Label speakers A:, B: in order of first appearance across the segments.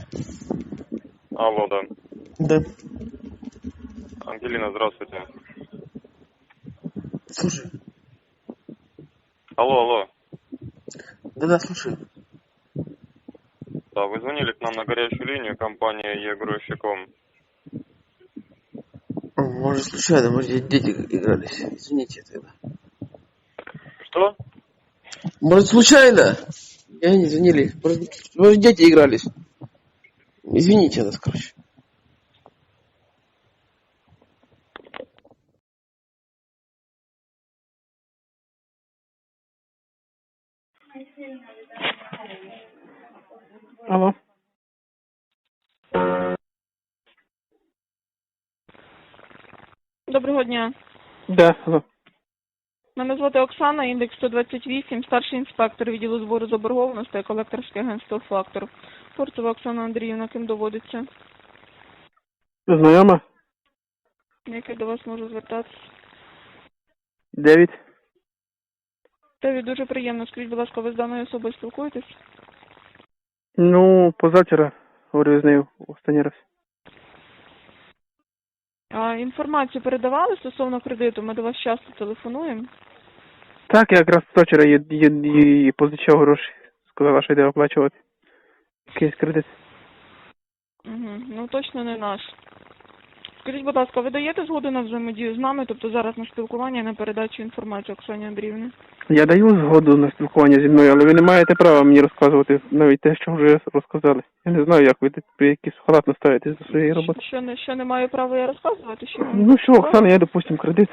A: Алло, да.
B: Да.
A: Ангелина, здравствуйте.
B: Слушай.
A: Алло.
B: Да, слушай.
A: Да, вы звонили к нам на горячую линию, компания «Егрущиком».
B: Может, случайно, может, дети игрались. Извините тогда.
A: Что?
B: Может, случайно? Я не звонили. Может, дети игрались. Извините нас, короче.
C: Алло.
D: Доброго дня.
C: Да, алло.
D: Мене звати Оксана, індекс 128, старший інспектор відділу збору заборгованості, колекторське агентство «Фактор». Фурцева Оксана Андріївна, ким доводиться?
C: Знайома?
D: Як я до вас можу звертатися?
C: 9.
D: Теві, дуже приємно. Скажіть, будь ласка, ви з даною особою спілкуєтесь?
C: Ну, позавчора говорив з нею останній раз.
D: А інформацію передавали стосовно кредиту? Ми до вас часто телефонуємо.
C: Так, я якраз позавчора їй позичав гроші. Сказала, що йде оплачувати. Якийсь кредит.
D: Угу. Ну, точно не наш. Скажіть, будь ласка, ви даєте згоду на взаємодію з нами, тобто зараз на спілкування і на передачу інформації Оксані Андріївні?
C: Я даю згоду на спілкування зі мною, але ви не маєте права мені розказувати навіть те, що вже розказали. Я не знаю, як ви якісь халатно ставитесь до своєї роботи.
D: Що не маю права я розказувати? Що вам
C: Ну що,
D: цікаво?
C: Оксана, я, допустим, кредит.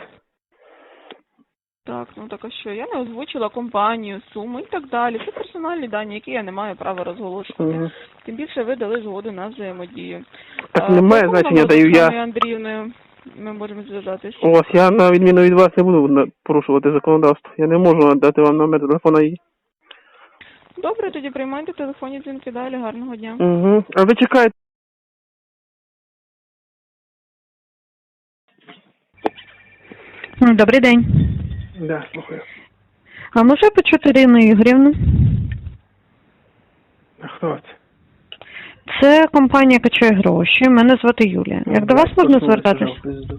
D: Так, ну так а що? Я не озвучила компанію, суму і так далі. Це персональні дані, які я не маю права розголошувати.
C: Мгм.
D: Тим більше ви дали згоду на взаємодію.
C: Так немає
D: По якому
C: значення,
D: номеру
C: даю
D: з
C: я.
D: Оксаною Андріївною ми можемо зв'язатись?
C: Ось, я на відміну від вас не буду порушувати законодавство. Я не можу надати вам номер телефона її.
D: Добре, тоді приймайте телефонні дзвінки далі. Гарного дня.
C: Угу. А ви чекаєте?
E: Добрий день.
C: Да, слухаю.
E: А може почути Ірину Ігорівну?
C: А хто це?
E: Це компанія «Качає гроші». Мене звати Юлія. Як до вас можна звертатись?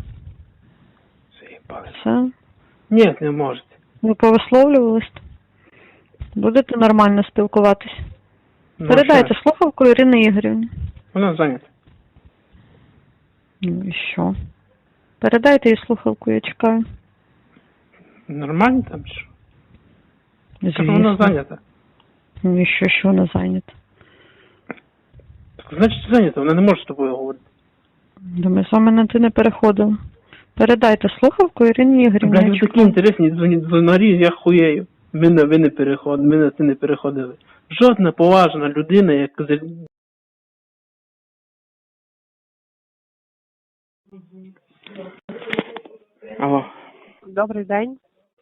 E: Це?
C: Ні, не можете.
E: Ви повисловлювались? Будете нормально спілкуватись?
C: Ну,
E: Передайте
C: що?
E: слухавку Ірини Ігорівні.
C: Вона зайнята.
E: Ну і що? Передайте їй слухавку, я чекаю.
C: Нормально там чи що? Так вона
E: Звісно.
C: зайнята.
E: Ну і що вона зайнята?
C: Так, значить зайнята, вона не може з тобою говорити.
E: Да ми з вами на ти не переходили. Передайте слухавку Ірині Ігорівні.
C: Блядь,
E: я
C: ви такі
E: чекаю.
C: інтересні дзвонарі, я хуєю. Ми не переходили, ми на ти не переходили. Жодна поважна людина, як Алло.
F: Добрий день.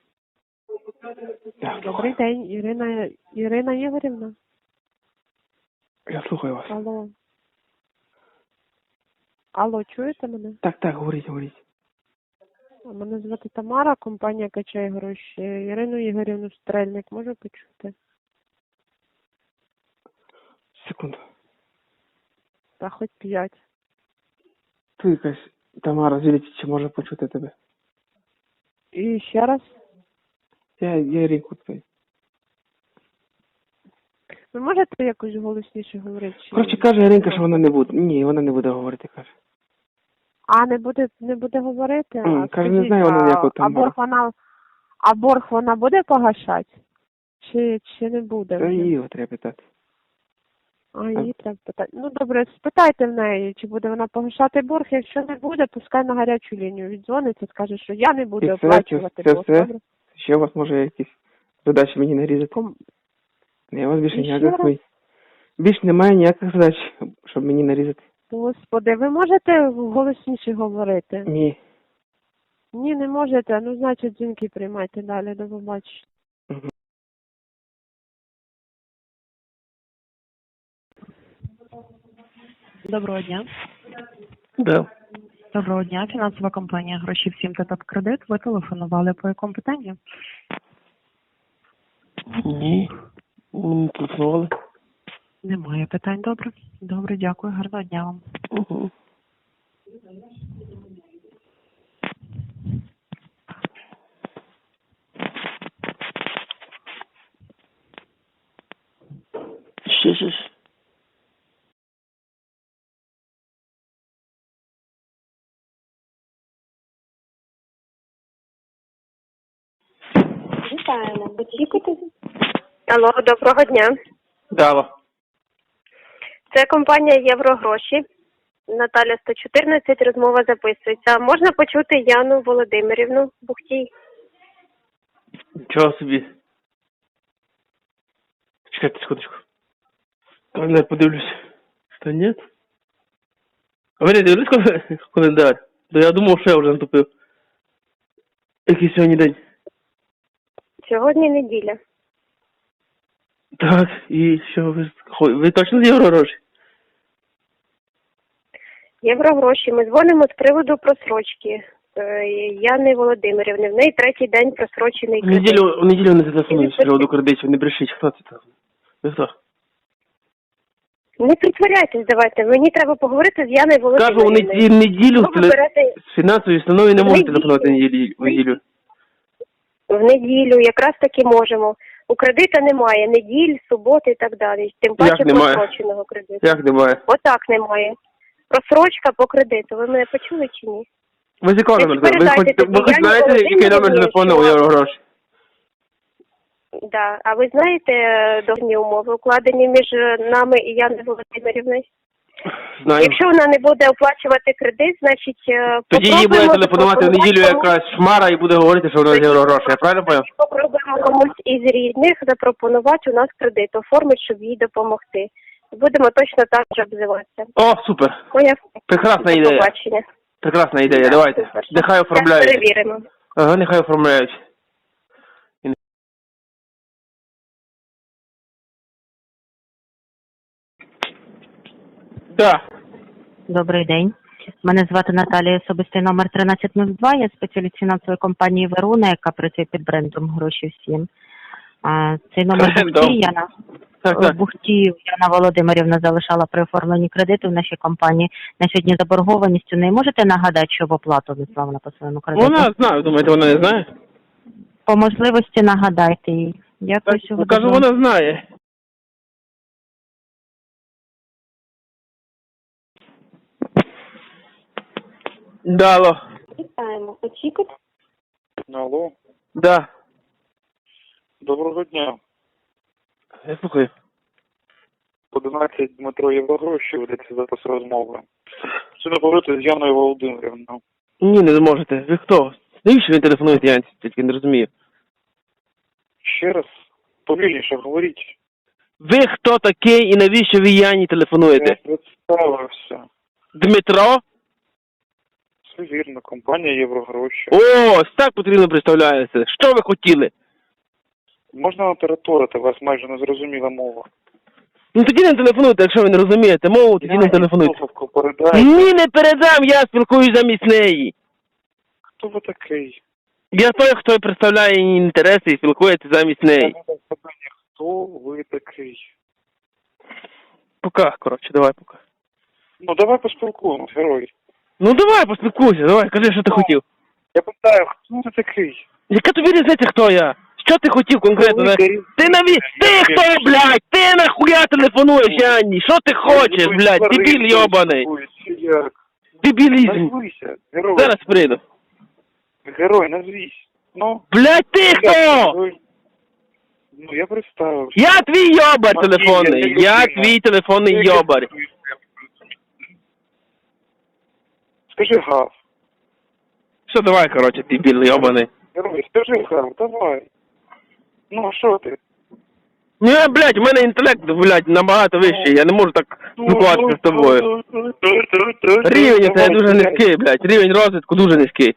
C: Так,
F: Добрий день, Ірина Ігорівна.
C: я слухаю вас.
F: Алло. Алло, чуєте мене?
C: Так, говоріть.
F: Мене звати Тамара, компанія «Качає гроші». Ірину Ігорівну Стрельник можу почути?
C: Секунду.
F: Та хоч 5.
C: Ти якась Тамара, звідти, чи може почути тебе?
F: І ще раз.
C: Я Ріку твій.
F: Ви можете якось голосніше говорити?
C: Коротше, каже Іринка, що вона не буде. Ні, вона не буде говорити, каже.
F: А, не буде говорити? А
C: Каже, не
F: скажіть,
C: знаю вона ніякого Тамара.
F: А борг вона буде погашати? Чи не буде?
C: Та
F: вже?
C: її треба питати.
F: А, її треба питати. Ну, добре, спитайте в неї, чи буде вона погашати борг. Якщо не буде, пускай на гарячу лінію віддзвониться, скаже, що я не буду
C: І
F: оплачувати
C: це
F: борг.
C: все?
F: Добре?
C: Ще у вас може якісь задачі мені нарізати? Я вас більше
F: І
C: ніяких
F: ще раз?
C: більше немає ніяких задач, щоб мені нарізати.
F: Господи, ви можете голосніше говорити?
C: Ні.
F: Ні, не можете. Ну, значить, дзвінки приймайте далі. До побачення.
C: Мгм.
G: Доброго дня.
C: Да.
G: Доброго дня. Фінансова компанія «Гроші всім» та «Топ-кредит». Ви телефонували по якому питанню?
C: Ні. Не телефонували.
G: Немає питань, добре. Добре, дякую, гарного дня вам.
B: Угу. Ще.
F: Вітаємо. Очікуйте. Алло, доброго дня.
C: Дало.
F: Це компанія Єврогроші. Наталя 114, розмова записується. Можна почути Яну Володимирівну Бухтій?
C: Нічого собі. Чекайте секундочку. Я подивлюсь. Та ні. А ви не дивились календар? То я думав, що я вже натупив. Який сьогодні день?
F: Сьогодні неділя.
C: Так, і що ви точно з Єврогроші?
F: Єврогроші. Ми дзвонимо з приводу просрочки. Яни Володимирівни. В неї третій день просрочений
C: В
F: кредит.
C: неділю не зателефонують з приводу кредитів, не брешіть. Хто це там? Ви хто?
F: Не притворяйтесь, давайте. Мені треба поговорити з Яною
C: Кажу, у
F: Володимирівною.
C: неділю
F: Ви берете
C: з фінансової установи не
F: В
C: можете
F: неділю.
C: телефонувати в неділю.
F: в неділю, якраз таки можемо. У кредита немає неділь, суботи і так далі. Тим паче
C: Як немає?
F: просроченого кредиту.
C: Як немає?
F: Отак немає. Просрочка по кредиту. Ви мене почули чи ні?
C: Ви з якого номер? Ви
F: передайте
C: хоч
F: тоді Яні
C: знаєте, який номер
F: Володимирівні,
C: телефону у
F: що-
C: Єврогроші?
F: Да. А ви знаєте договірні умови, укладені між нами і Яною Володимирівною?
C: Знаю.
F: Якщо вона не буде оплачувати кредит, значить
C: Тоді їй буде
F: попробуємо
C: телефонувати в
F: запропонувати
C: неділю
F: комусь-
C: якась шмара і буде говорити, що вона з Єврогроші. Я правильно поняв?
F: Попробуємо комусь із рідних запропонувати у нас кредит, оформити, щоб їй допомогти. Будемо точно так же обзиватися.
C: О, супер.
F: Поняв?
C: Прекрасна
F: До
C: ідея.
F: побачення.
C: Прекрасна ідея,
F: Так,
C: давайте.
F: супер.
C: Нехай
F: Зараз
C: оформляють.
F: перевіримо.
C: Ага, нехай оформляють. Так.
G: Добрий день. Мене звати Наталія, особистий номер 1302. Я спеціаліст фінансової компанії «Веруна», яка працює під брендом «Гроші всім». Цей номер
C: Брендом.
G: Бухтій Яна.
C: Так.
G: Бухтій Яна Володимирівна залишала при оформленні кредиту в нашій компанії. На сьогодні заборгованість у неї. Можете нагадати, що в оплату внесла вона по своєму кредиту?
C: Вона знає, думаєте, вона не знає?
G: По можливості нагадайте їй. Дякую, що ви
C: Кажу,
G: дозволили.
C: вона знає. Дало.
F: Вітаємо. Очікуйте.
A: Алло,
C: Да.
A: доброго дня.
C: Я слухаю.
A: 11 Дмитро Єврогроші ведеться запис розмови. Чи не говорити з Яною Володимирівною?
C: Ні, не зможете. Ви хто? Навіщо ви телефонуєте, Янці? Тільки не розумію.
A: Ще раз, повільніше говоріть.
C: Ви хто такий і навіщо ви Яні
A: Я
C: телефонуєте?
A: представився.
C: Дмитро?
A: Все вірно, компанія Єврогроші.
C: О, ось так потрібно представляється. Що ви хотіли?
A: Можна натераторити, вас майже не зрозуміла мова.
C: Ну тоді не телефонуйте, якщо ви не розумієте мову, тоді не телефонуйте.
A: Слухавку передайте.
C: Ні, не передам, я спілкуюсь замість неї.
A: Хто ви такий?
C: Я той, хто представляє її інтереси і спілкується замість неї.
A: Хто ви такий?
C: Пока, коротше, давай пока.
A: Ну давай поспілкуємось, герой.
C: Ну давай, поспілкуйся, давай, кажи, що ти хотів.
A: Я питаю, хто ти такий?
C: Яка тобі різниця, хто я? Що ти хотів конкретно?
A: Велика різниця.
C: Ти хто, блядь? Ти нахуя телефонуєш, Анні? Що ти хочеш, блядь? Дебіль йобаний.
A: Як?
C: Дебілізм.
A: Назвися, герой.
C: Зараз прийду.
A: Герой, назвись. Ну,
C: Блядь, ти хто?
A: Ну, я представився.
C: Я твій йобар
A: Матвій,
C: телефонний.
A: я
C: Я
A: людина.
C: твій телефонний йобар.
A: Скажи гав.
C: Що давай, коротше, дебіл йобаний.
A: Герой, скажи гав, давай. Ну, що ти?
C: Ні, блядь, у мене інтелект, блядь, набагато вищий. Я не можу так спілкуватися з тобою. Рівень у тебе дуже низький, блядь. Рівень розвитку дуже низький.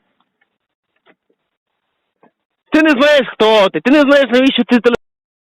C: Ти не знаєш, хто ти. Ти не знаєш, навіщо ти телефон.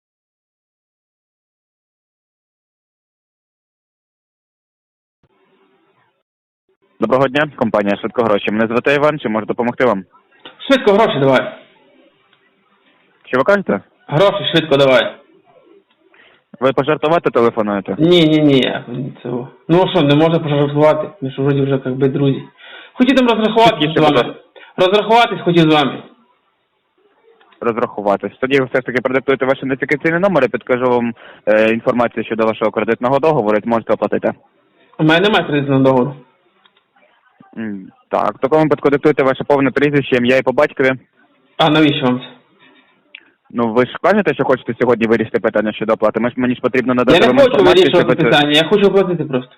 H: Доброго дня, компанія «Швидко гроші». Мене звати Іван, чи можу допомогти вам?
C: Швидко гроші давай.
H: Що ви кажете?
C: Гроші швидко давай.
H: Ви пожартувати телефонуєте?
C: Ні, цього. Ну а що, не можна пожартувати? Ми ж вроді вже як би друзі. Хотів там розрахуватися з вами. Розрахуватись хотів з вами.
H: Розрахуватись. Тоді ви все ж таки продиктуєте ваш ідентифікаційний номер, я підкажу вам інформацію щодо вашого кредитного договору, і зможете оплатити.
C: У мене немає кредитного договору.
H: Так, в такому випадку диктуйте ваше повне прізвище, ім'я і по батькові.
C: А навіщо вам це?
H: Ну, ви ж кажете, що хочете сьогодні вирішити питання щодо оплати? Мені ж потрібно надати
C: Я не
H: вам
C: хочу
H: інформацію,
C: вирішувати
H: щоб ви-
C: питання, я хочу оплатити просто.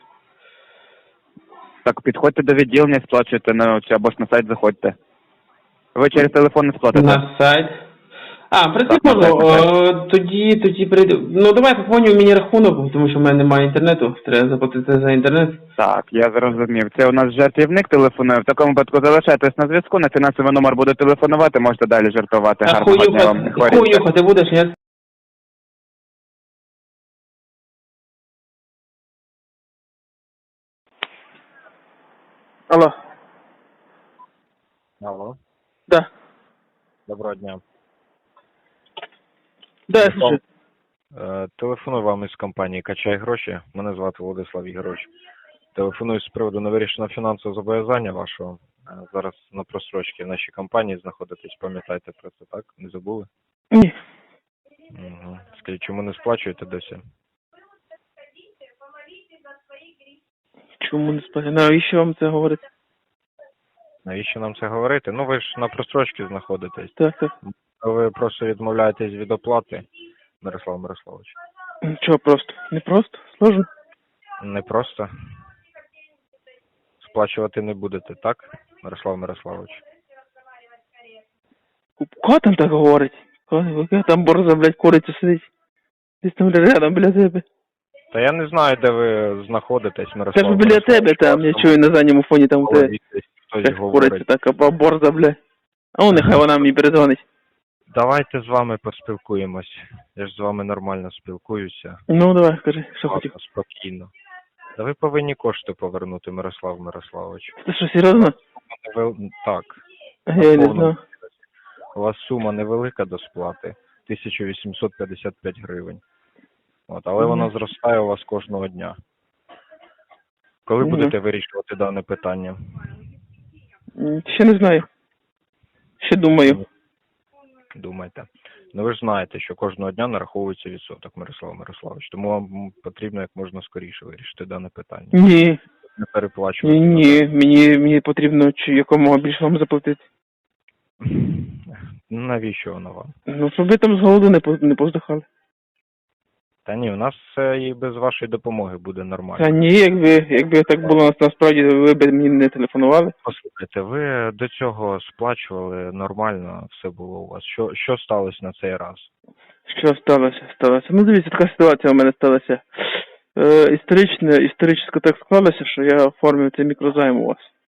H: Так, підходьте до відділення, сплачуйте або ж на сайт заходьте. Ви через телефон не сплатите.
C: На сайт. А,
H: Так,
C: прикольно,
H: на сайт.
C: тоді прийду. Ну давай поповнюю мені рахунок, тому що в мене немає інтернету, треба заплатити за інтернет.
H: Так, я зрозумів. Це у нас жартівник телефонує. В такому випадку залишайтесь на зв'язку, на фінансовий номер буде телефонувати, можете далі жартувати.
C: А
H: Гарного дня вам. Не хворійте.
C: хуюхати будеш, ні? Алло,
I: Алло,
C: да.
I: доброго дня.
C: Да, я слушаю.
I: Телефоную вам із компанії «Качай гроші». Мене звати Владислав Ігорович. Телефоную з приводу невирішеного фінансового зобов'язання вашого. Зараз на просрочці в нашій компанії знаходитесь, пам'ятаєте про це, так? Не забули?
C: Ні.
I: Угу. Скажіть, чому не сплачуєте досі?
C: Чому не сплачу? Навіщо вам це говорити?
I: Навіщо нам це говорити? Ну ви ж на просрочці знаходитесь.
C: Так.
I: Ви просто відмовляєтесь від оплати, Мирослав Мирославович.
C: Чого просто? Не просто? Сложно?
I: Не просто. Сплачувати не будете, так, Мирослав Мирославович?
C: Кого там так говорить? Яка там борза, блядь, куриця сидить? Десь там рядом біля тебе.
I: Та я не знаю, де ви знаходитесь,
C: Це
I: Мирослав.
C: ж біля тебе там, я чую на задньому фоні там у тебе.
I: Хтось
C: Як
I: говорить.
C: куриця така, борза, блядь. А ну нехай вона мені передзвонить.
I: Давайте з вами поспілкуємось. Я ж з вами нормально спілкуюся.
C: Ну давай, скажи, що хотів.
I: Ладно, спокійно. Та ви повинні кошти повернути, Мирослав Мирославович.
C: Ти що, серйозно?
I: Так.
C: Я не знаю.
I: У вас сума невелика до сплати. 1855 гривень. От, але вона зростає у вас кожного дня. Коли будете вирішувати дане питання?
C: Ще не знаю. Ще думаю.
I: Думайте. Ну ви ж знаєте, що кожного дня нараховується відсоток, Мирослав Мирославович. Тому вам потрібно як можна скоріше вирішити дане питання.
C: Ні.
I: Не переплачувати.
C: Ні, мені потрібно якомога більше вам заплатити.
I: Навіщо воно вам?
C: Ну, щоб ви там з голоду не поздихали.
I: Та ні, у нас все і без вашої допомоги буде нормально.
C: Та ні, якби так було насправді, ви б мені не телефонували.
I: Послухайте, ви до цього сплачували нормально, все було у вас. Що сталося на цей раз?
C: Що сталося? Ну, дивіться, така ситуація у мене сталася. Історично так склалося, що я оформив цей мікрозайм у вас.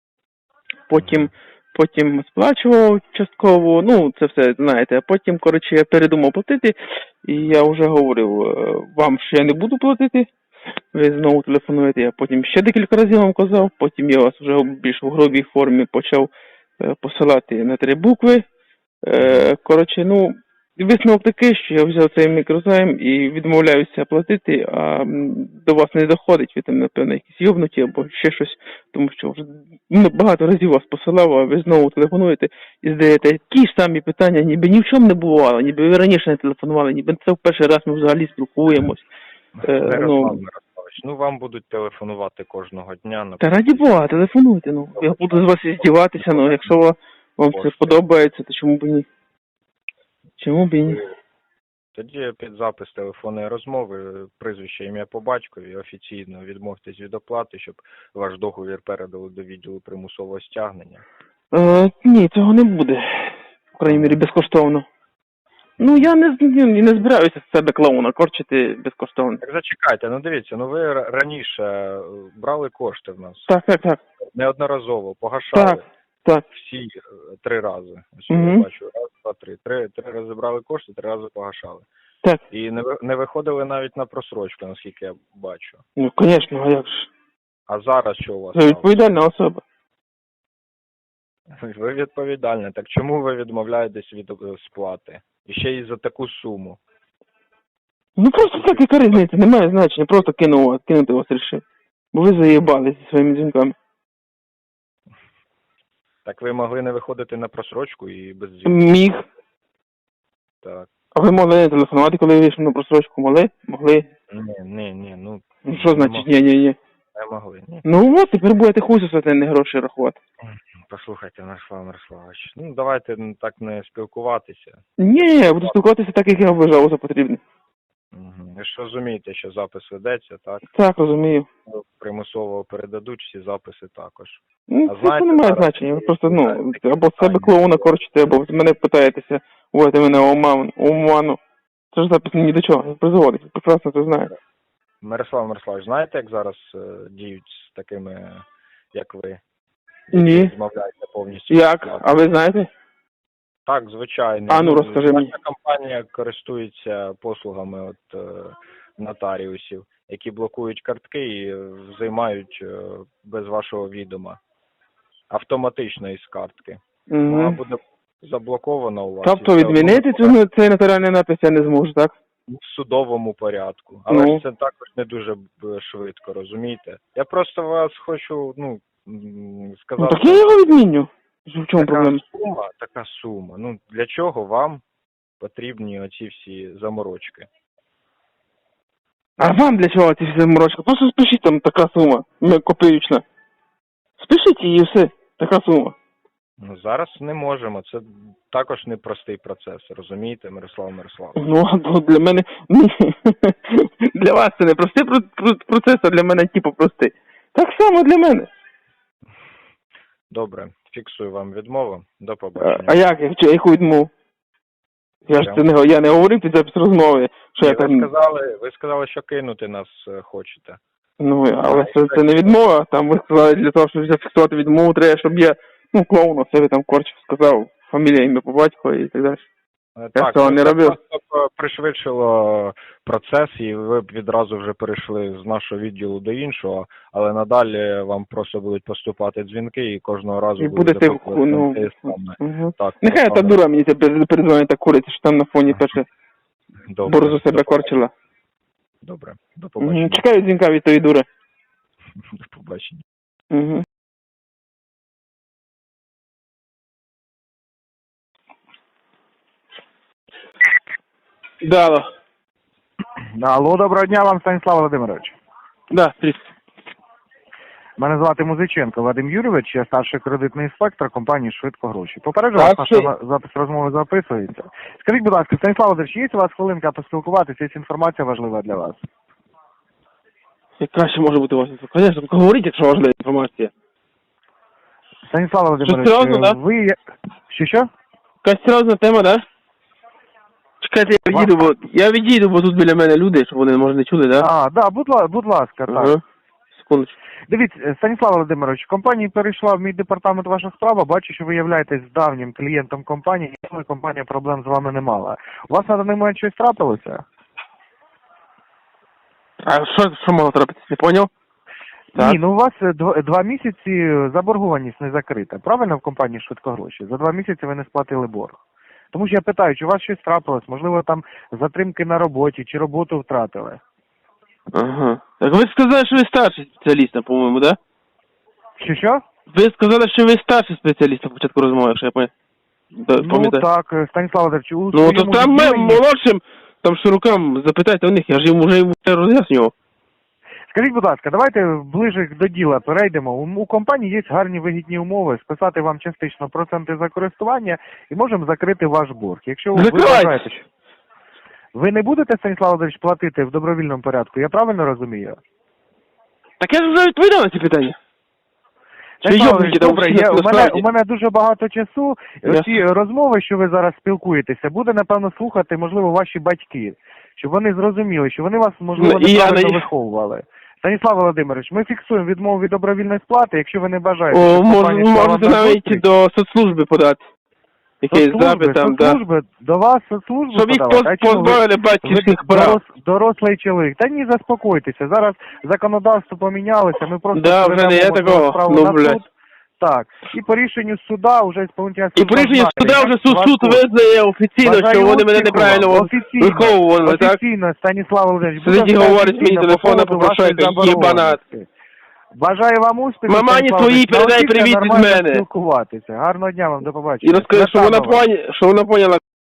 C: Потім сплачував частково, ну, це все, знаєте, а потім, коротше, я передумав платити, і я вже говорив вам, що я не буду платити, ви знову телефонуєте, я потім ще декілька разів вам казав, потім я вас вже більш в грубій формі почав посилати на 3 букви. Коротше, ну, висновок такий, що я взяв цей мікрозайм і відмовляюся платити, а до вас не доходить, ви там, напевно, якісь йобнуті або ще щось, тому що вже багато разів вас посилав, а ви знову телефонуєте і задаєте ті ж самі питання, ніби ні в чому не бувало, ніби ви раніше не телефонували, ніби це в перший раз ми взагалі спілкуємось.
I: Мирославович, ну вам будуть телефонувати кожного дня.
C: Та раді Бога, телефонуйте, ну. Я буду з вас здіватися, ну, якщо вам це подобається, то чому б і ні? Чому б і ні?
I: Тоді під запис телефонної розмови, прізвище, ім'я по батькові, офіційно відмовтесь від оплати, щоб ваш договір передали до відділу примусового стягнення.
C: Ні, цього не буде. В крайній мірі, безкоштовно. Ну, я не збираюся з себе клоуна корчити безкоштовно.
I: Так зачекайте, ну дивіться, ну ви раніше брали кошти в нас.
C: Так.
I: Неодноразово, погашали.
C: Так.
I: Всі 3 рази. Ось
C: Мгм.
I: я бачу, 1, 2, 3. 3 рази брали кошти, 3 рази погашали.
C: Так.
I: І не виходили навіть на просрочку, наскільки я бачу.
C: Ну, звісно, а як ж?
I: А зараз що у вас?
C: Ви відповідальна особа.
I: Ви відповідальні. Так чому ви відмовляєтесь від сплати? І ще й за таку суму.
C: Ну просто так, яка різниця, немає значення, просто кинути вас рішив. Бо ви заїбали зі своїми дзвінками.
I: Так ви могли не виходити на просрочку і без дзвінку.
C: Міг.
I: Так.
C: А ви могли не телефонувати, коли вийшли на просрочку? Могли?
I: Ні, ну...
C: Ну що значить ні?
I: Не могли, ні.
C: Ну от, тепер будете хуй сосати, а не гроші рахувати.
I: Послухайте, Мирослав Мирославович, ну давайте так не спілкуватися.
C: Ні, я буду спілкуватися так, як я вважав за потрібне.
I: Ви ж розумієте, що запис ведеться, так?
C: Так, розумію.
I: Примусово передадуть всі записи також.
C: Ну,
I: А
C: це
I: знаєте,
C: не має
I: зараз-
C: значення. Ви просто,
I: Знаєте, такі
C: або з себе
I: питання.
C: клоуна корчите, або мене питаєтеся, вводите мене в оману. Це ж запис ні до чого, не призводить. Ви прекрасно це знаєте.
I: Мирослав Мирославович, знаєте, як зараз діють з такими, як ви?
C: Ні.
I: Розмовляєте повністю.
C: Як? А ви знаєте?
I: Так, звичайно.
C: А ну, розкажи мені.
I: Наша компанія користується послугами нотаріусів, які блокують картки і займають без вашого відома. Автоматично із картки. Вона
C: Угу.
I: буде заблокована у вас.
C: Тобто
I: і все
C: відмінити
I: одно
C: цей нотаріальний напис я не зможу, так?
I: в судовому порядку. Але
C: Ну.
I: ж це також не дуже швидко, розумієте? Я просто вас хочу,
C: Ну
I: сказати.
C: так я його відміню. В чому проблема?
I: Така сума. Ну, для чого вам потрібні оці всі заморочки?
C: А вам для чого ці всі заморочки? Просто спишіть там така сума, копеючна. Спишіть її і все, така сума.
I: Ну, зараз не можемо. Це також непростий процес, розумієте, Мирослав Мирославович?
C: Ну, а для мене, для вас це не простий процес, а для мене типу простий. Так само для мене.
I: Добре, фіксую вам відмову. До побачення.
C: А як? Яку відмову? Я не говорив під запис розмови, що
I: Ні,
C: я там...
I: ви сказали, що кинути нас хочете.
C: Ну, але це не відмова. Там ви сказали, для того, щоб зафіксувати відмову, треба, щоб я, клоун у себе там корчив, сказав фамілія, ім'я по батькові і так далі. Я цього не
I: це
C: робив.
I: просто пришвидшило процес, і ви б відразу вже перейшли з нашого відділу до іншого, але надалі вам просто будуть поступати дзвінки, і кожного разу
C: І будете,
I: те саме.
C: Угу.
I: Так,
C: Нехай та дура мені передзвонить та куриця, що там на фоні перше
I: добре,
C: борзу себе корчила.
I: Добре, до побачення.
C: Чекаю дзвінка від тої дури.
I: До побачення.
C: Угу. Да, алло.
H: Алло, доброго дня вам, Станіслав Володимирович.
C: Да, привіт.
H: Мене звати Музиченко Вадим Юрійович, я старший кредитний інспектор компанії «Швидко гроші». Попереджу
C: Так,
H: вас,
C: що?
H: наш запис розмови записується. Скажіть, будь ласка, Станіслав Володимирович, є у вас хвилинка поспілкуватися, є інформація важлива для вас?
C: Яка ще може бути у вас інформація? Звісно, говоріть, якщо важлива інформація.
H: Станіслав Володимирович,
C: серйозно, да?
H: ви... Що?
C: Якась серйозна тема, да? Чекайте, я відійду, бо тут біля мене люди, щоб вони, може, не чули, да?
H: А, да, будь ласка, так.
C: Ага. Секундочку.
H: Дивіться, Станіслав Володимирович, компанія перейшла в мій департамент ваших справ, бачу, що ви являєтесь давнім клієнтом компанії, і компанія проблем з вами не мала. У вас на даний момент щось трапилося?
C: А що могло трапитися, не поняв? Так.
H: Ні, ну у вас 2 місяці заборгованість не закрита. Правильно в компанії «Швидко гроші»? За 2 місяці ви не сплатили борг. Тому що я питаю, чи у вас щось трапилось, можливо, там затримки на роботі, чи роботу втратили?
C: Ага. Так ви сказали, що ви старший спеціаліст, по-моєму, да?
H: Що?
C: Ви сказали, що ви старший спеціаліст на початку розмови, якщо я
H: Ну так, Станіслав Володимирович, у
C: Ну, то
H: своєму
C: там
H: відділенні-
C: молодшим, там широкам, запитайте у них, я ж їм вже роз'яснював.
H: Скажіть, будь ласка, давайте ближе до діла перейдемо. У компанії є гарні вигідні умови, списати вам частично проценти за користування і можемо закрити ваш борг. Якщо ви
C: Закривайте.
H: вважаєте, що... Ви не будете, Станіслав Володимирович, платити в добровільному порядку, я правильно розумію?
C: Так я ж вже відповідав на ці питання.
H: Станіслав
C: йобники
H: Володимирович,
C: там
H: добре,
C: всі насправді.
H: у мене дуже багато часу.
C: Я-
H: Ці розмови, що ви зараз спілкуєтеся, буде, напевно, слухати, можливо, ваші батьки. Щоб вони зрозуміли, що вони вас, можливо,
C: Ну, і я
H: неправильно
C: на-
H: виховували. Станіслав Володимирович, ми фіксуємо відмову від добровільної сплати, якщо ви не бажаєте,
C: О,
H: щоб компанія йшла вам
C: можете
H: на
C: навіть
H: зустріч.
C: до соцслужби подати. Якийсь запит там, да.
H: Соцслужби, до вас соцслужби
C: Щоб їх
H: подавати. А чому ви-
C: позбавили батьківських прав.
H: Дорослий чоловік. Та ні, заспокойтеся. Зараз законодавство помінялося, ми просто
C: Да, вже не є
H: передамо
C: такого.
H: справу
C: Ну,
H: на
C: блядь.
H: суд. Так. І по рішенню суда вже ісполнительна
C: І по рішенню суда вже суд визнає офіційно,
H: Бажаю
C: що вони мене
H: успіху
C: неправильно
H: вам. Офіційно.
C: виховували, так?
H: Офіційно, Станіслав Володимирович.
C: Сидіть і
H: буде
C: говорить мені
H: офіційно
C: телефона,
H: по поводу
C: попрошайка,
H: вашої
C: єбанат.
H: заборгованості. Бажаю вам успіху.
C: Мамані
H: Станіслав
C: своїй
H: Володимирович.
C: передай
H: Навчіться
C: привіт від
H: нормально
C: мене.
H: спілкуватися. Гарного дня вам, до
C: І
H: побачення.
C: розкажи, що
H: Свята вам.
C: вона поняла.